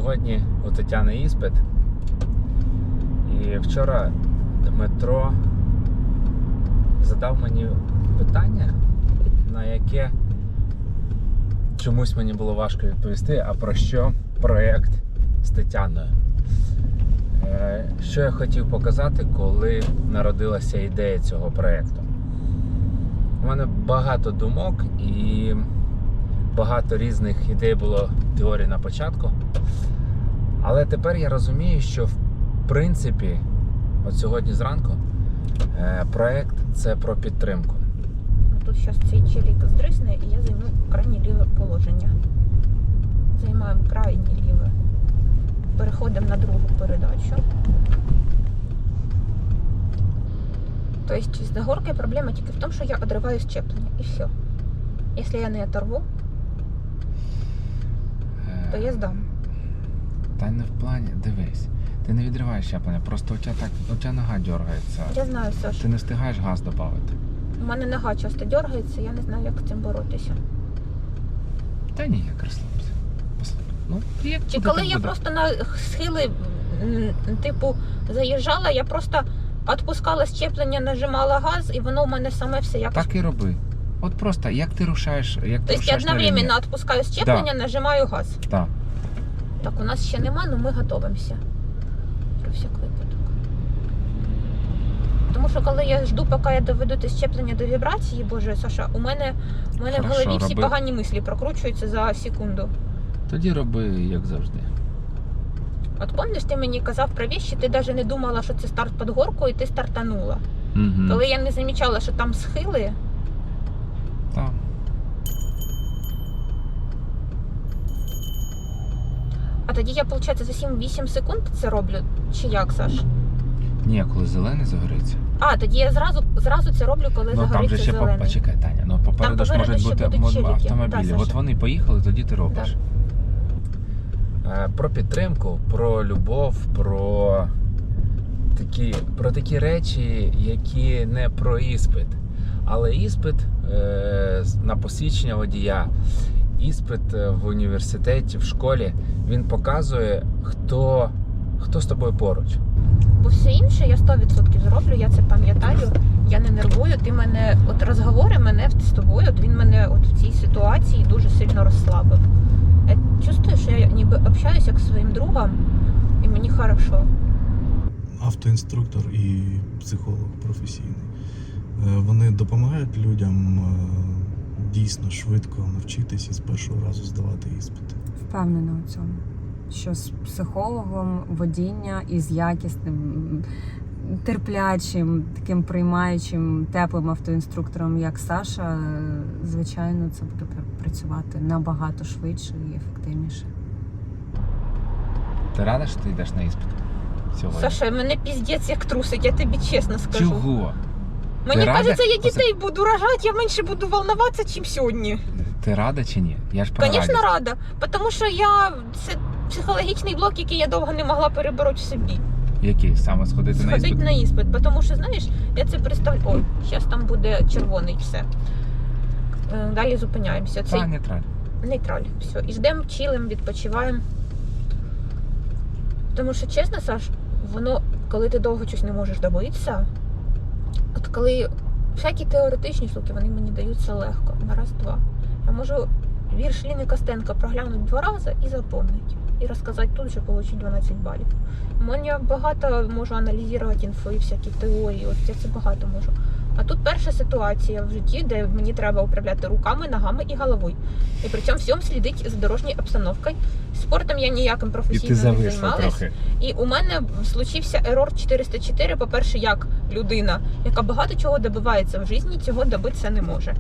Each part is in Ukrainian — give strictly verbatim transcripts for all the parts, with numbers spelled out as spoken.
Сьогодні у Тетяни іспит. І вчора Дмитро задав мені питання, на яке чомусь мені було важко відповісти, а про що проєкт з Тетяною. Що я хотів показати, коли народилася ідея цього проєкту. У мене багато думок і багато різних ідей було теорій на початку. Але тепер я розумію, що в принципі, от сьогодні зранку, проєкт – це про підтримку. Тут зараз цей челік здрисне, і я займу крайнє ліве положення. Займаємо крайнє ліве. Переходимо на другу передачу. Тобто з горкою проблема тільки в тому, що я відриваю щеплення. І все. Якщо я не оторву, то я здам. Та не в плані, дивись, ти не відриваєш щеплення, просто у тебе так, у тебе нога дергається. Я знаю, Саш. Ти не встигаєш газ додати. У мене нога часто дергається, я не знаю, як з цим боротися. Та ні, як розслабся. Послухай, ну, як Чи буде, коли так я буде. просто на схили, м, типу, заїжджала, я просто відпускала щеплення, нажимала газ, і воно у мене саме все якось... Так і роби. От просто, як ти рушаєш, як ти Тобто я рушаєш на лінії. одновременно відпускаю щеплення, Да. нажимаю газ. Так. Так, у нас ще нема, але ми готуємося. Про всяк випадок. Тому що коли я жду, поки я доведу те щеплення до вібрації, боже, Саша, у мене, у мене в Хорошо, голові всі роби. погані мислі прокручуються за секунду. Тоді роби, як завжди. От пам'ятаєш, ти мені казав про вещі, ти навіть не думала, що це старт під горку, і ти стартанула. Угу. Коли я не замічала, що там схили, Так. а тоді я, виходить, за сім-вісім секунд це роблю? Чи як, Саш? Ні, коли зелений загориться. А, тоді я зразу, зразу це роблю, коли Ну там загориться же ще, по- зелений. почекай, Таня, ну попереду ж попереду можуть ще бути будуть мо- челіки. автомобілі. Да, От Саша. вони поїхали, тоді ти робиш. Е, Про підтримку, про любов, про такі, про такі речі, які не про іспит. Але іспит е, на посвідчення водія, іспит в університеті, в школі, він показує, хто, хто з тобою поруч. Бо все інше я сто відсотків зроблю, я це пам'ятаю, я не нервую, ти мене, от розговори мене з тобою, от він мене от в цій ситуації дуже сильно розслабив. Я чувствую, що я ніби общаюся як зі своїм другом, і мені хорошо. Автоінструктор і психолог професійний. Е, Вони допомагають людям е, дійсно швидко навчитися і з першого разу здавати іспити. Впевнена у цьому, що з психологом водіння і з якісним, терплячим, таким приймаючим, теплим автоінструктором, як Саша, звичайно, це буде працювати набагато швидше і ефективніше. Ти рада, що ти йдеш на іспит сьогодні? Саша, мене піздець як трусить, я тобі чесно скажу. Чого? Мені Ти рада? кажеться, я Оце- дітей буду рожати, я менше буду волноватися, ніж сьогодні. Ти рада чи ні? Я ж про Звісно, радість. рада, тому що я, це психологічний блок, який я довго не могла перебороти в собі. Який? Саме сходити на Сходить іспит? на іспит, тому що, знаєш, я це представляю. Ой, зараз там буде червоний все. Е, Далі зупиняємося. Цей Та, нейтраль. нейтраль. Все. І ждемо, чилим, відпочиваємо. Тому що, чесно, Саш, воно, коли ти довго щось не можеш добитися, от коли всякі теоретичні штуки, вони мені даються легко, на раз-два. Я можу вірш Ліни Костенко проглянути два рази і запомнити. І розказати тут, що отримати дванадцять балів. Я багато можу аналізувати інфо і всякі теорії, от я це багато можу. А тут перша ситуація в житті, де мені треба управляти руками, ногами і головою. І при цьому всьому слідить за дорожньою обстановкою. Спортом я ніяким І професійно ти не зависла займалась. трохи. І у мене случився ерор чотириста чотири, по-перше, як людина, яка багато чого добивається в житті, цього добитися не може.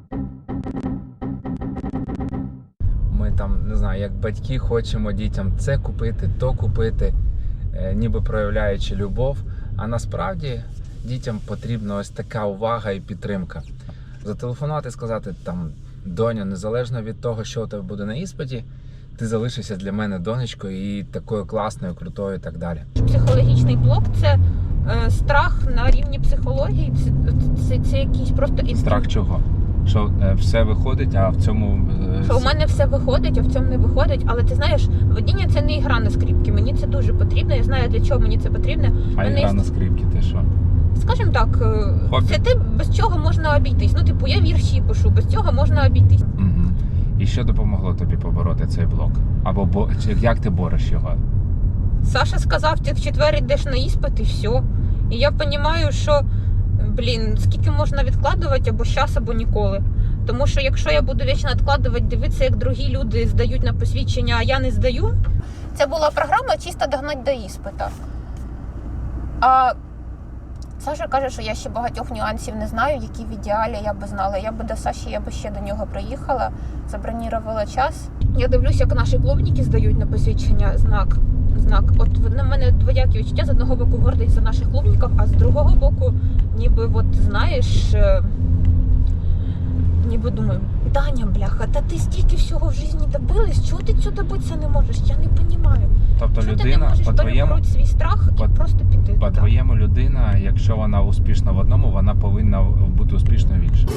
Ми там, не знаю, як батьки хочемо дітям це купити, то купити, е, ніби проявляючи любов. А насправді дітям потрібна ось така увага і підтримка. Зателефонувати і сказати, там, доня, незалежно від того, що у тебе буде на іспиті, ти залишишся для мене донечкою і такою класною, крутою і так далі. Психологічний блок – це е, страх на рівні психології, це, це, це якийсь просто інстинкт. Страх чого? що е, все виходить, а в цьому... е, Що у мене все виходить, а в цьому не виходить. Але ти знаєш, водіння це не ігра на скрипці. Мені це дуже потрібно. Я знаю, для чого мені це потрібно. А мене ігра є- на скрипці, ти що? Скажімо так, е, Хобі. це те, без чого можна обійтись. Ну, типу, я вірші пишу, без цього можна обійтись. Угу. І що допомогло тобі побороти цей блок? Або бо... чи як ти бореш його? Саша сказав, ти в четвер йдеш на іспит і все. І я розумію, що, блін, скільки можна відкладувати або щас, або ніколи. Тому що якщо я буду вічно відкладувати, дивитися, як другі люди здають на посвідчення, а я не здаю. Це була програма чисто догнати до іспита. А Саша каже, що я ще багатьох нюансів не знаю, які в ідеалі я би знала. Я би до Саші, я би ще до нього приїхала, забронірувала час. Я дивлюсь, як наші клубники здають на посвідчення знак. знак. От на мене двоякі відчуття. З одного боку гордість за наших клубників, а з другого боку, ніби, от, знаєш, е, ніби думаю, Таня, бляха, та ти стільки всього в житті добилась, чого ти цього добитися не можеш? Я не розумію. Тобто Чого ти не людина, можеш по-твоєму, перебороти свій страх по- і просто піти туди? по-твоєму людина, якщо вона успішна в одному, вона повинна бути успішною в іншому.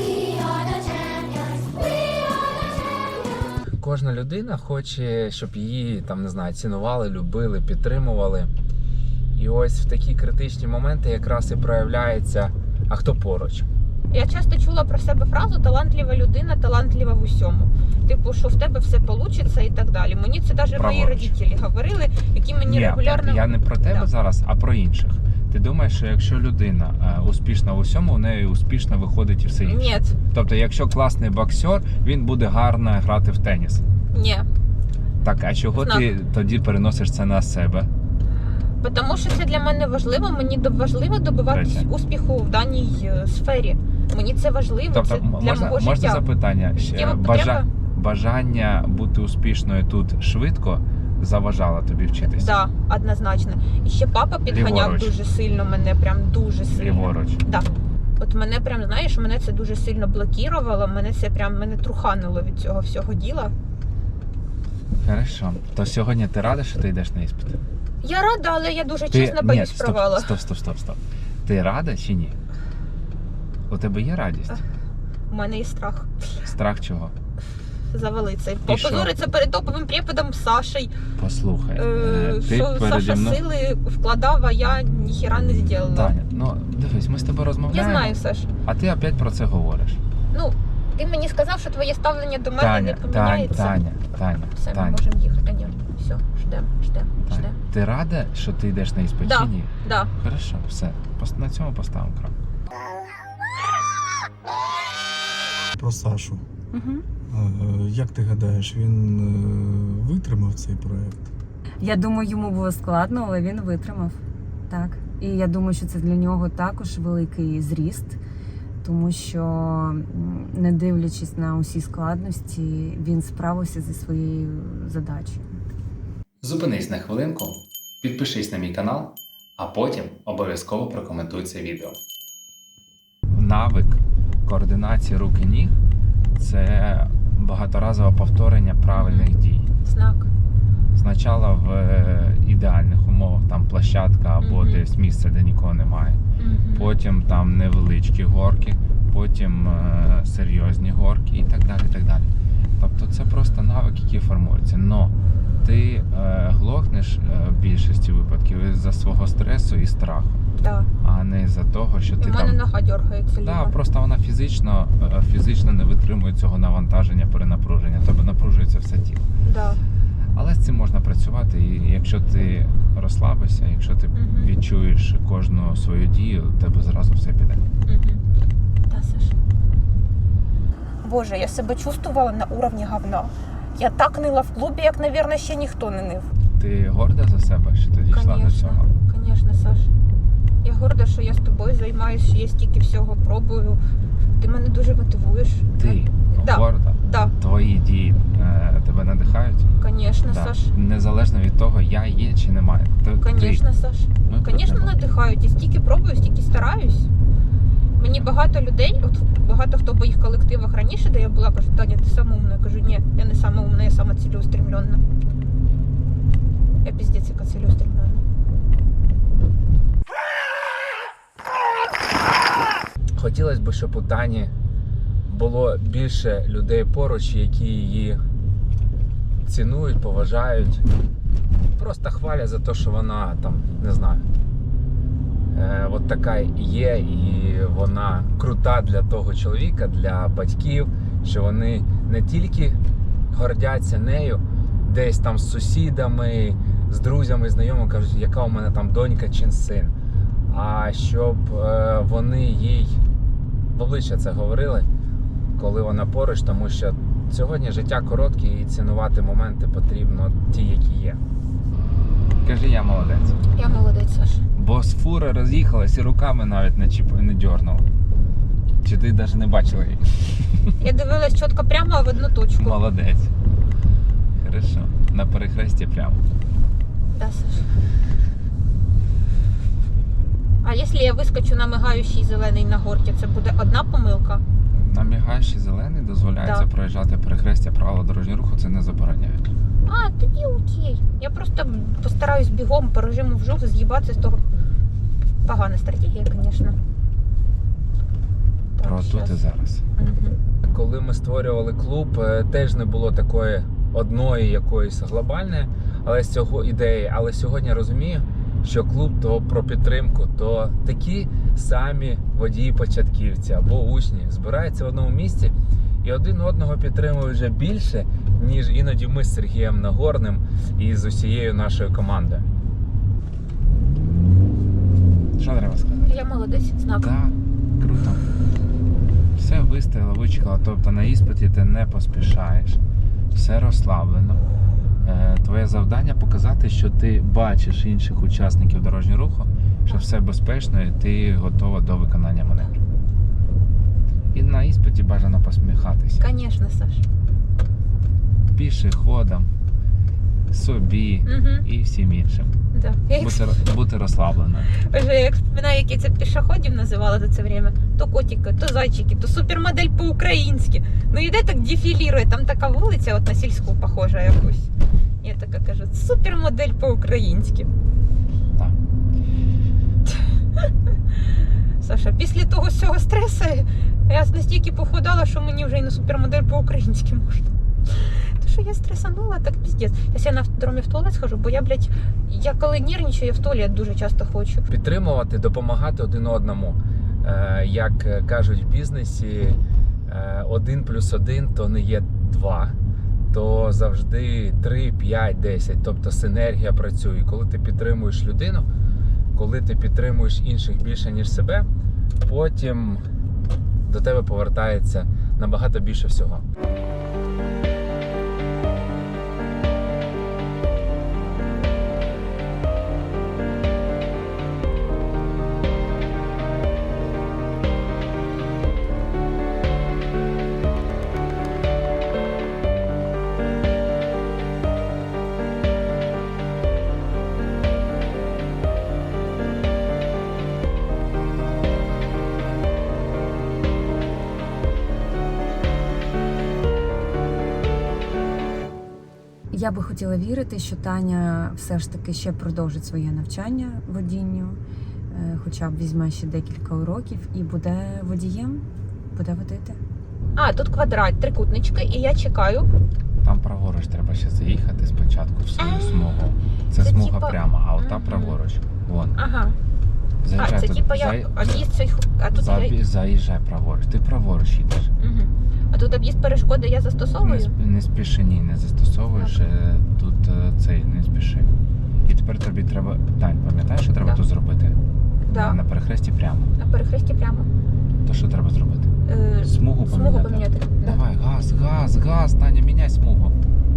Кожна людина хоче, щоб її там, не знаю, цінували, любили, підтримували. І ось в такі критичні моменти якраз і проявляється, а хто поруч. Я часто чула про себе фразу «талантлива людина, талантлива в усьому». Типу, що в тебе все вийде і так далі. Мені це навіть мої Праворуч. родителі говорили, які мені Ні, регулярно... я не про тебе Да. зараз, а про інших. Ти думаєш, що якщо людина е, успішна в усьому, у неї успішно виходить і все інше? Ні, Тобто, якщо класний боксер, він буде гарно грати в теніс. ні. Так, а чого Знак. ти тоді переносиш це на себе? Тому що це для мене важливо. Мені до- важливо добиватись Третє. успіху в даній е, сфері. Мені це важливо, Тобто, це м- для можна, мого можна життя. запитання? Ще, Життєва Бажа... потреба? Бажання бути успішною тут швидко заважало тобі вчитися? Да, однозначно. І ще папа підганяв Ліворуч. дуже сильно мене, прям дуже сильно. Ліворуч. Да. От мене прям, знаєш, мене це дуже сильно блокувало, мене це прям мене труханило від цього всього діла. Хорошо. То сьогодні ти рада, що ти йдеш на іспит? Я рада, але я дуже Ти... чесно боюсь Ні, стоп, провала. стоп, стоп, стоп, стоп. Ти рада чи ні? У тебе є радість? У мене є страх Страх чого? завалитися. І Попозориться перед топовим преподом Сашей. Послухай, Е, е, ти що переді Саша мною... сили вкладав, а я ніхіра не зробила. Таня, ну дивись, ми з тобою Я розмовляємо, знаю, Саш. а ти опять про це говориш. Ну, ти мені сказав, що твоє ставлення до мене Таня, не Таня, поміняється. Таня, Таня, Все, ми Таня, можемо їхати. Ні, все, ждемо, ждемо, Таня. ждемо. Ти рада, що ти йдеш на іспит Да. чи ні? Да. Хорошо, все. Пос- На цьому поставимо крапку. Про Сашу. Угу. Е, Як ти гадаєш, він е, витримав цей проект? Я думаю, йому було складно, але він витримав. Так. І я думаю, що це для нього також великий зріст, тому що, м, не дивлячись на усі складності, він справився зі своєю задачею. Зупинись на хвилинку, підпишись на мій канал, а потім обов'язково прокоментуй це відео. Навик координації рук і ніг – це багаторазове повторення правильних дій. Знак. Спочатку в е, ідеальних умовах, там площадка або Мгм. десь місце, де нікого немає. Мгм. Потім там невеличкі горки, потім е, серйозні горки і так далі. І так далі. Тобто це просто навик, який формується. Но ти е, глохнеш е, в більшості випадків із-за свого стресу і страху, Да. а не із-за того, що І ти в мене там. нога дергається Да, ліва. просто вона фізично, е, фізично не витримує цього навантаження, перенапруження, тобто напружується все тіло. Да. Але з цим можна працювати, і якщо ти розслабишся, якщо ти Мгм. відчуєш кожну свою дію, у тебе зразу все піде. Угу. Да, Саш. Боже, я себе чувствувала на уровні говна. Я так нила в клубі, як, мабуть, ще ніхто не нив. Ти горда за себе, що ти дійшла до цього? Звісно, Саш. Я горда, що я з тобою займаюся, що я стільки всього пробую. Ти мене дуже мотивуєш. Ти Да. горда, Да, твої дії е, тебе надихають? звісно, Да. Саш. Незалежно від того, я є чи немає. Ти- Звісно, Саш. ти. Ми тут Звісно, не можемо. надихають. Я стільки пробую, стільки стараюсь. Мені багато людей, от багато хто в моїх колективах раніше, де я була, кажуть, Таня, ти сама умна. Я кажу, ні, я не сама умна, я сама цілеустремлена. Я піздець, яка цілеустремлена. Хотілося б, щоб у Тані було більше людей поруч, які її цінують, поважають, просто хвалять за те, що вона там, не знаю, е, от така є, і вона крута для того чоловіка, для батьків, що вони не тільки гордяться нею, десь там з сусідами, з друзями, знайомими кажуть, яка у мене там донька чи син, а щоб е, вони їй в обличчя це говорили, коли вона поруч, тому що сьогодні життя коротке і цінувати моменти потрібно ті, які є. Кажи, я молодець. Я молодець, Саш. Бо з фури роз'їхалась і руками навіть не, чіп... не дьорнула. Чи ти навіть не бачила її? Я дивилась чітко прямо в одну точку. Молодець. Хорошо. На перехресті прямо. Да, Саш. А якщо я вискочу на мигаючий зелений на горці, це буде одна помилка? На мігаючий зелений дозволяється Да. проїжджати перехрестя, правила дорожнього руху це не забороняють. А, тоді окей. Я просто постараюсь бігом по режиму вжух з'їбатися з того. Погана стратегія, звісно. Про тут і зараз. Угу. Коли ми створювали клуб, е, теж не було такої одної якоїсь глобальної але з цього ідеї. Але сьогодні розумію, що клуб то про підтримку, то такі самі водії-початківці або учні збираються в одному місці і один одного підтримують вже більше, ніж іноді ми з Сергієм Нагорним і з усією нашою командою. Що треба сказати? Я молодець, знак. Так, круто. Все вистояло, вичекало. Тобто на іспиті ти не поспішаєш, все розслаблено. Е, твоє завдання показати, що ти бачиш інших учасників дорожнього руху, що все безпечно і ти готова до виконання маневру. І на іспиті бажано посміхатися. Звісно, Саш. Пішоходам, собі Угу. і всім іншим. Да. Я як, Бути, бути розслабленою. вже як вспоминаю, які це пішоходів називали за це время. То котики, то зайчики, то супермодель по-українськи. Ну йде так дефілірує, там така вулиця, от на сільську похожа якусь. Я така кажу, супермодель по-українськи. Так. Саша, після того всього стресу я настільки похудала, що мені вже і на супермодель по-українськи можна. То що я стресанула, так піздець. Я на автодромі в туалет схожу, бо я, блядь, я коли нервничаю, я в туалет дуже часто хочу. Підтримувати, допомагати один одному. Е, Як кажуть в бізнесі, е, один плюс один то не є два, то завжди три, п'ять, десять. Тобто синергія працює. І коли ти підтримуєш людину, коли ти підтримуєш інших більше, ніж себе, потім до тебе повертається набагато більше всього. Я би хотіла вірити, що Таня все ж таки ще продовжить своє навчання водінню, е, хоча б візьме ще декілька уроків і буде водієм, буде водити. А, тут квадрат, трикутнички, і я чекаю. Там праворуч треба ще заїхати спочатку в свою А, смугу. Це, це смуга типа- пряма, а ота Мгм. праворуч. Вон. Ага. А, Заїжджай це тут. типа Заї- як об'їзд цей, а тут Забі- я... Заїжджай праворуч. Ти праворуч їдеш. Угу. А тут об'їзд перешкоди я Не, застосовую? сп- не спіши, ні, не застосовуєш. Так. е, Тут е, цей не спіши. І тепер тобі треба. Тань, пам'ятаєш, що треба Да. тут зробити? Да. На, на перехресті прямо. На перехресті прямо. То що треба зробити? Е, Смугу поміняти. Смугу поміняти. Да. Давай, газ, газ, газ, Таня, міняй смугу.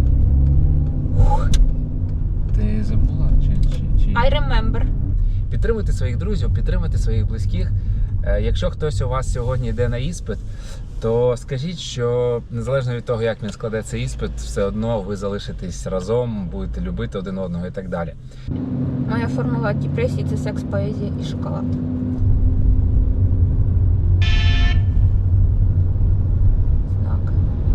Ти забула? Чи, чи, чи... I remember. Підтримуйте своїх друзів, підтримуйте своїх близьких. Е, Якщо хтось у вас сьогодні йде на іспит, то скажіть, що незалежно від того, як він складе цей іспит, все одно ви залишитесь разом, будете любити один одного і так далі. Моя формула депресії – це секс, поезія і шоколад. Так.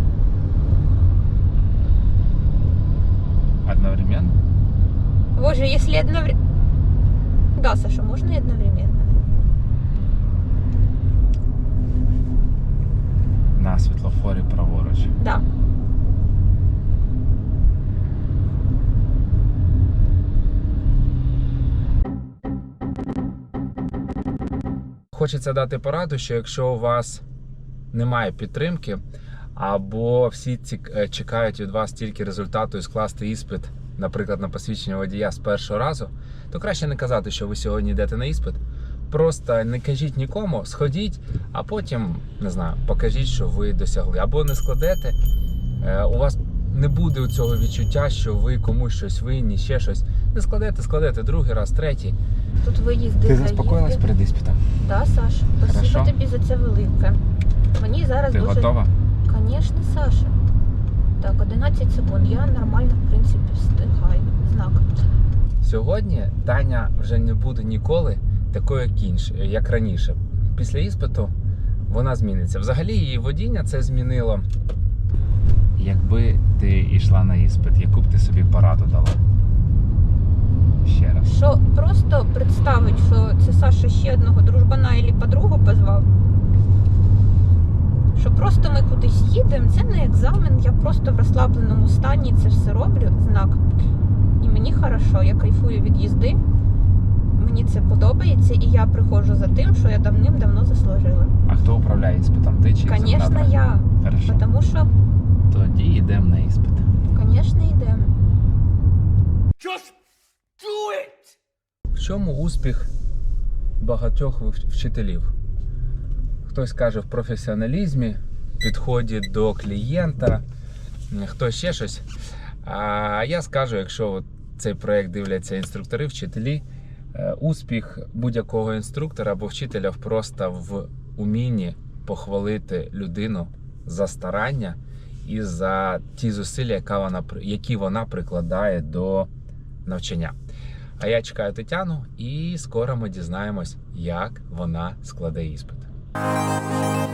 Одновременно? Боже, если одновременно... Да, Саша, можно и одновременно. Нас хочеться дати пораду, що якщо у вас немає підтримки, або всі ці чекають від вас тільки результату і скласти іспит, наприклад, на посвідчення водія з першого разу, то краще не казати, що ви сьогодні йдете на іспит. Просто не кажіть нікому, сходіть, а потім, не знаю, покажіть, що ви досягли. Або не складете, у вас не буде цього відчуття, що ви комусь щось винні, ще щось. Не складете, складете другий раз, третій. Тут виїзди, Ти заїзди. заспокоїлась перед іспитом? Так, Саш, спасибо Хорошо. тобі за це велике. Мені зараз Ти дуже... готова? Звісно, Саша. Так, одинадцять секунд. Я нормально, в принципі, встигаю. Знак. Сьогодні Таня вже не буде ніколи такою, як інш, як раніше. Після іспиту вона зміниться. Взагалі її водіння це змінило. Якби ти йшла на іспит, яку б ти собі пораду дала? Ще раз. Що просто представить, що це Саша ще одного дружбана або подругу позвав. Що просто ми кудись їдемо, це не екзамен, я просто в розслабленому стані це все роблю, знак. І мені хорошо, я кайфую від їзди, мені це подобається, і я приходжу за тим, що я давним-давно заслужила. А хто управляє іспитом? Ти чи Звісно, екзаменатор? я. Хорошо. Тому що, Тоді йдемо на іспит. звісно, йдемо. В чому успіх багатьох вч- вчителів? Хтось каже в професіоналізмі, підході до клієнта, хтось ще щось. А я скажу, якщо от цей проект дивляться інструктори, вчителі, е, успіх будь-якого інструктора або вчителя просто в умінні похвалити людину за старання і за ті зусилля, яка вона, при- які вона прикладає до навчання. А я чекаю Тетяну, і скоро ми дізнаємось, як вона складе іспит.